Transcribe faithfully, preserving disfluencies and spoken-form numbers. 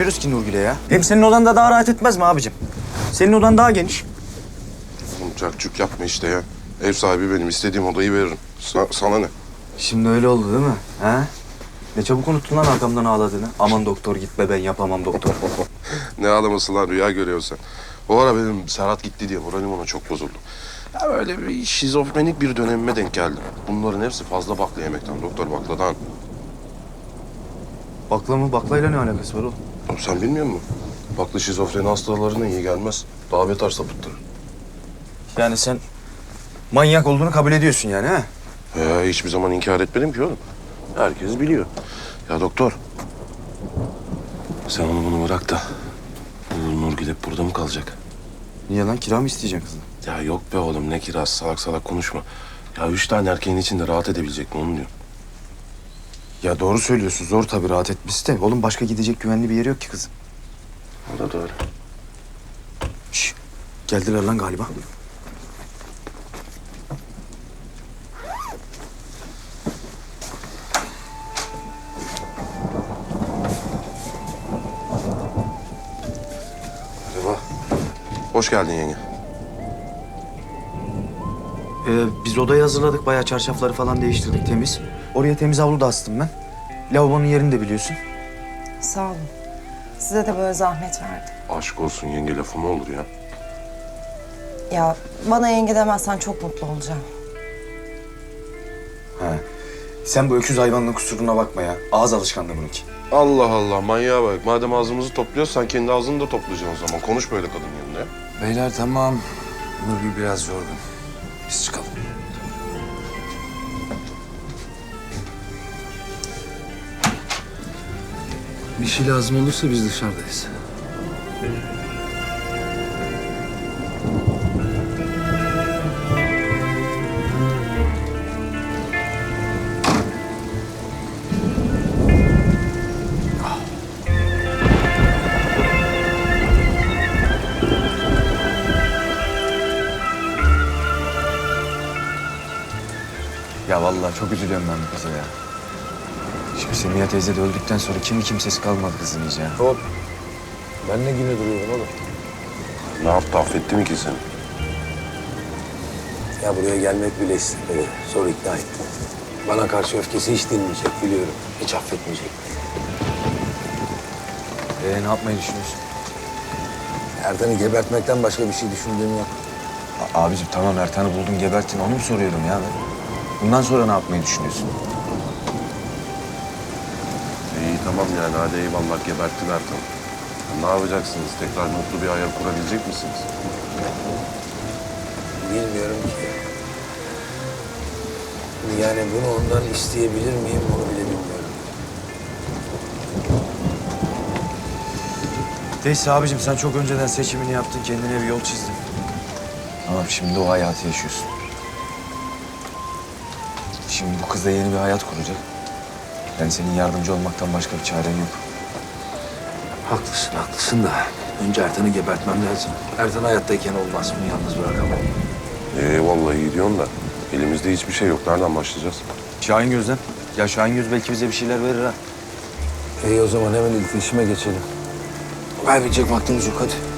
gitmiyoruz ki Nurgül'e ya. Hem senin odanda daha rahat etmez mi abicim? Senin odan daha geniş. Oğlum cakcuk yapma işte ya. Ev sahibi benim. İstediğim odayı veririm. Sa- sana ne? Şimdi öyle oldu değil mi? Ha? Ne çabuk unuttun lan arkamdan ağladığını. Aman doktor gitme, ben yapamam doktor. Ne ağlaması lan, rüya görüyorsun sen. O ara benim Serhat gitti diye moralim ona çok bozuldu. Ya böyle bir şizofrenik bir dönemime denk geldim. Bunların hepsi fazla bakla yemekten doktor, bakladan. Bakla mı? Baklayla ne alakası var oğlum? Oğlum sen bilmiyor musun? Bakla şizofreni hastalarına iyi gelmez. Daha beter sapıttırır. Yani sen manyak olduğunu kabul ediyorsun yani ha? He, hiçbir zaman inkar etmedim ki oğlum. Herkes biliyor. Ya doktor. Sen onu bunu bırak da. Bu Nurgül hep burada mı kalacak? Niye lan, kira mı isteyeceksin kızım? Ya yok be oğlum, ne kirası, salak salak konuşma. Ya üç tane erkeğin içinde rahat edebilecek mi onu diyorum. Ya doğru söylüyorsun, zor tabii rahat etmesi de. Oğlum başka gidecek güvenli bir yeri yok ki kızım. O da doğru. Şş, geldiler lan galiba. Merhaba. Hoş geldin yenge. Ee, biz odayı hazırladık, bayağı çarşafları falan değiştirdik, temiz. Oraya temiz havlu da astım ben. Lavabonun yerini de biliyorsun. Sağ olun. Size de böyle zahmet verdim. Aşk olsun yenge, lafı mı olur ya? Ya bana yenge demezsen çok mutlu olacağım. Ha. Sen bu öküz hayvanının kusuruna bakma ya. Ağız alışkanlığı bununki. Allah Allah, manyağa bak. Madem ağzımızı topluyoruz, sen kendi ağzını da toplayacaksın o zaman. Konuş böyle kadın yanında ya. Beyler tamam. Nurgül biraz yorgun. Biz çıkalım. Bir şey lazım olursa biz dışarıdayız. Ya vallahi çok üzülüyorum ben bu kıza ya. Şimdi Semiha teyze de öldükten sonra kimi kimsesi kalmadı kızın iyice ya. Hop. Ben ne güne duruyorum oğlum? Ne yaptı, affetti mi ki seni? Ya buraya gelmek bile istemedi. Zor ikna ettim. Bana karşı öfkesi hiç dinmeyecek biliyorum. Hiç affetmeyecek. Ee, ne yapmayı düşünüyorsun? Ertan'ı gebertmekten başka bir şey düşündüğüm yok. A- abicim tamam, Ertan'ı buldun gebertin, onu mu soruyorum ya ben? Bundan sonra ne yapmayı düşünüyorsun? İyi tamam yani, hadi eyvallah, geberttiler tamam. Ne yapacaksınız? Tekrar mutlu bir hayal kurabilecek misiniz? Bilmiyorum ki. Yani bunu ondan isteyebilir miyim onu bile bilmiyorum. Neyse abicim, sen çok önceden seçimini yaptın, kendine bir yol çizdin. Tamam, şimdi o hayatı yaşıyorsun. Şimdi bu kız da yeni bir hayat kuracak. Yani senin yardımcı olmaktan başka bir çaren yok. Haklısın, haklısın da önce Ertan'ı gebertmem lazım. Ertan hayattayken olmaz, bunu yalnız bırakamam. Ee vallahi iyi diyorsun da elimizde hiçbir şey yok. Nereden başlayacağız? Şahin Göz'den. Ya Şahin Göz belki bize bir şeyler verir ha. İyi o zaman hemen iletişime geçelim. Kaybedecek vaktimiz yok, hadi.